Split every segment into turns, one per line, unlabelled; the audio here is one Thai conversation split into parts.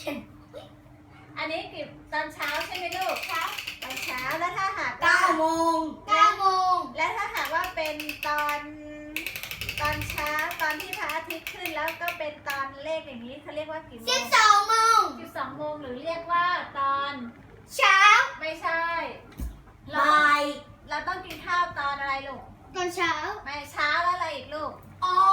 อันนี้กี่ตอนเช้าใช่ไหมลูกครับตอนเช้าแล้วถ้าหาก
9 โมง
9 โมง
และถ้าหากว่าเป็นตอนเช้าตอนที่พระอาทิตย์ขึ้นแล้วก็เป็นตอนเลขอย่างนี้เขาเรียกว่ากี่โมง
12 โมง
12 โมงหรือเรียกว่าตอน
เช้า
ไม่ใช่เรา
บ่าย
เราต้องกินข้าวตอนอะไรลูก
ตอนเช้า
ไม่เช้าแล้วอะไรอีกลูก
อ๋อ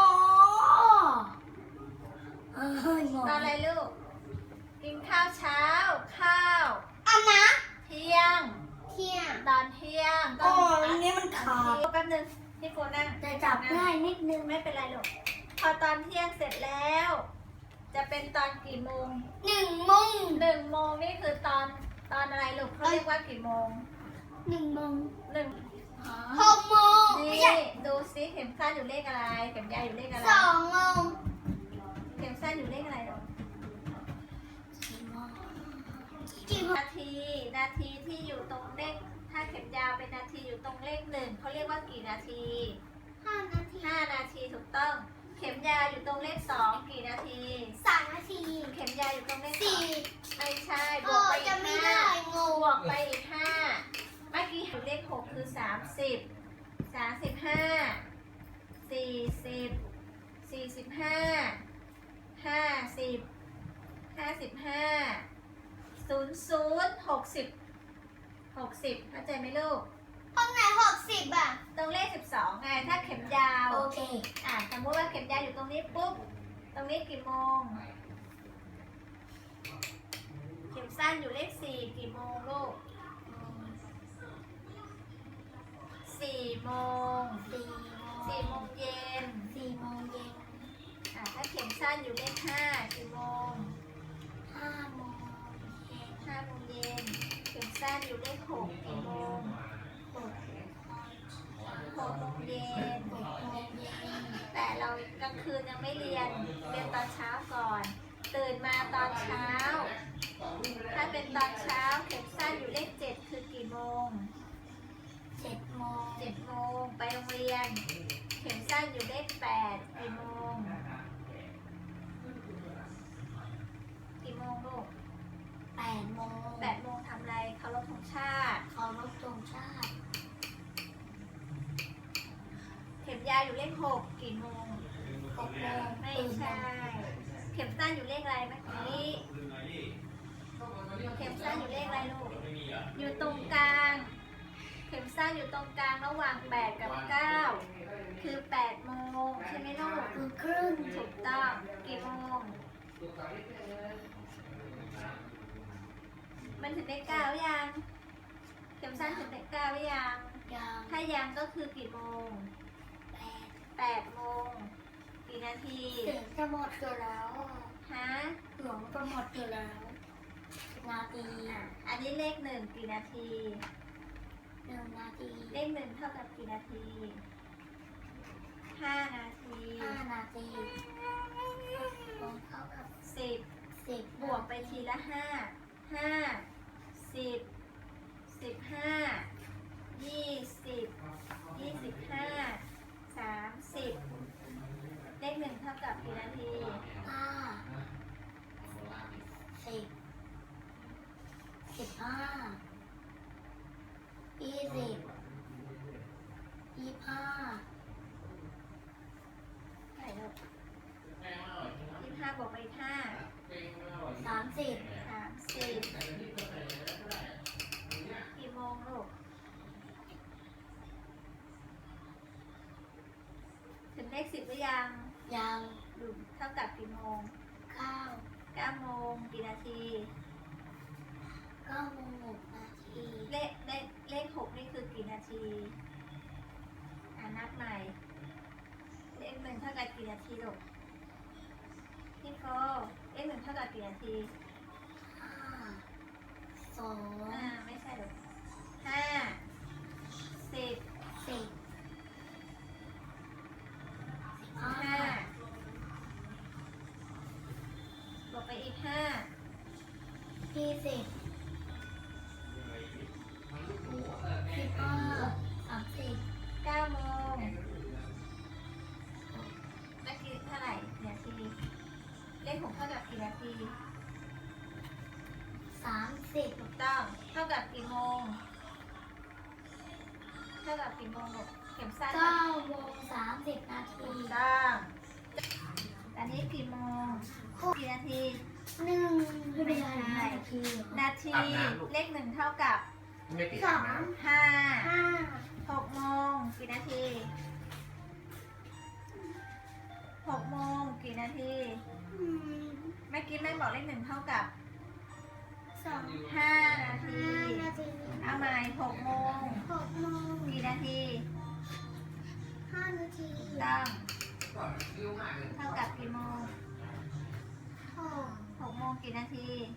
งง
ตอนอะไรลูกกินข้าวเช้าข้าว
อาบน้
เที่ยง
ำเที่ยง
ตอนเที่ยงต
อ๋
อ
อน อันนี้มันขาด
แป๊บนึงพี่โกนั่ง
แต่จับง่ายนิดนึง
ไม่เป็นไรลูกพอตอนเที่ยงเสร็จแล้ว จะเป็นตอนกี่โมง
1 โมง
1 โมงนี่คือตอนอะไรลูกเขาเรียกว่ากี่โมง
1 โมง
1
6 โมง ไม่
นี่
ใช่
ดูซิเข็มสั้นอยู่เลขอะไรเข็มยาวอยู่เลขอะไร
2 โมง
เข็มสั้นอยู่เลขอะไรลูก
กี่โมง
นาทีที่อยู่ตรงเลขถ้าเข็มยาวเป็นนาทีอยู่ตรงเลข1เขาเรียกว่ากี่นาที
5 นาที
5 นาทีถูกต้อง เข็มยาวอยู่ตรงเลข2กี่นาที
3 นาที
เข็มยาวอยู่ตรงเลข
4
ไม่ใช่บ
โอ้
วกไปอี
จะ
ก
ไม่ได้ง
5
ง
บวกไปอีก5เมื่อกี้เลข6คือ30 35 40 45 50 55 00 60เข้าใจไหมลูก
ห้องไหน60อ่ะ
ตรงเลข12ไงถ้าเข็มยาว
โอเค
สมมติว่าเข็มยาวอยู่ตรงนี้ปุ๊บ ตรงนี้กี่โมง เข็มสั้นอยู่เลข4กี่โมงลูก4 โมง 4 โมงเย็น
4 โมงเย็น
ถ้าเข็มสั้นอยู่เลข5กี่โมง
5 โมงเย็น
5 โมงเย็น เข็มสั้นอยู่เลข6กี่โมง 6 โมงเย็น
6 โมงเย็น
แต่เรากลางคืนยังไม่เรียนตอนเช้าก่อน ตื่นมาตอนเช้า ถ้าเป็นตอนเช้าเข็มสั้นอยู่เลข7คือกี่โมง
7 โมง
7 โมงไปโรงเรียน เข็มสั้นอยู่เลข8กี่โมง กี่โมงลูก
8 โมง
8 โมงทำอะไรเคารพธงชาติ
เคารพธงชาติ
เข็มยาวอยู่เลข6กี่โมง
6 โมง
ไม่ใช่ เข็มสั้นอยู่เลขอะไรเมื่อกี้ เข็มสั้นอยู่เลขอะไรลูก อยู่ตรงกลาง เข็มสั้นอยู่ตรงกลางระหว่าง8กับ9คือ8 โมงใช่ไหมลูก
คือครึ่ง
ถูกต้องกี่โมง มันถึงเลข9หรือยัง เข็มสั้นถึงเลข9หรือยัง
ยัง
ถ้ายังก็คือกี่โมง 8 โมง กี่นาที
เสียงจะหมดอยู่แล้ว
ฮะ
เสียงจะหมดอยู่แล้วนาที
อันนี้เลข1กี่นาที
1 นาที
เลข1เท่ากับกี่นาที 5 นาที
5 นาทีตรงเท่ากับ
10
10
บวกไปทีละ5 5 10 15 20 25 30 เลข1เท่ากับกี่นาที
5 10 15 20 25
เท่าไหร่ลูก25บวกไปอีก5
30
30กี่โมงลูก ถึงเลข10หรือยัง
ยัง
ดูเท่ากับกี่โมง
9
9 โมงกี่นาที
9 โมง 6 นาที
เลข6นี่คือกี่นาที นับใหม่ เลข1เท่ากับกี่นาทีลูกพี่โฟเลข1เท่ากับกี่นาที
5 2
ไม่ใช่ลูก5 10
10
5บวกไปอีก5
20 15 30
9 โมงเมื่อกี้เท่าไหร่กี่นาที เลข6เท่ากับกี่นาที
30
ถูกต้องเท่ากับกี่โมงเท่ากับกี่โมงลูกเข็มสั้น
9 โมง 30 นาที
ถูกต้องอันนี้กี่โมงกี่นาที
1
ไม่เป็นไรนาที
นาทีเลขหนึ่งเท่ากับ
ไม่ติด
2
นะ
ห้า
5
6 โมงกี่นาที6 โมงกี่นาทีเมื่อกี้แม่บอกเลขหนึ่งเท่ากับ
2
5 นาที
5 นาที
เอาใหม่6 โมง
6 โมง
กี่นาที
5 นาที
ต้อง
ก็ยิ้วมากเลย
เท่ากับกี่โมง
6
6 โมงกี่นาที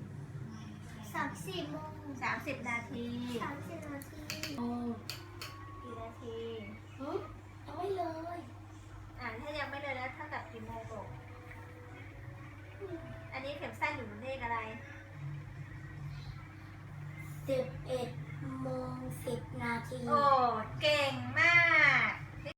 30 โมง
30 นาที
30 นาที
โอ้
กี่นาที
เอาไว้เลย
ถ้ายังไม่เลยแล้วเท่ากับกี่โมงลูกอันนี้เข็มสั้นอยู่เลขอะไร
11 โมง 10 นาที
โอ้ เก่งม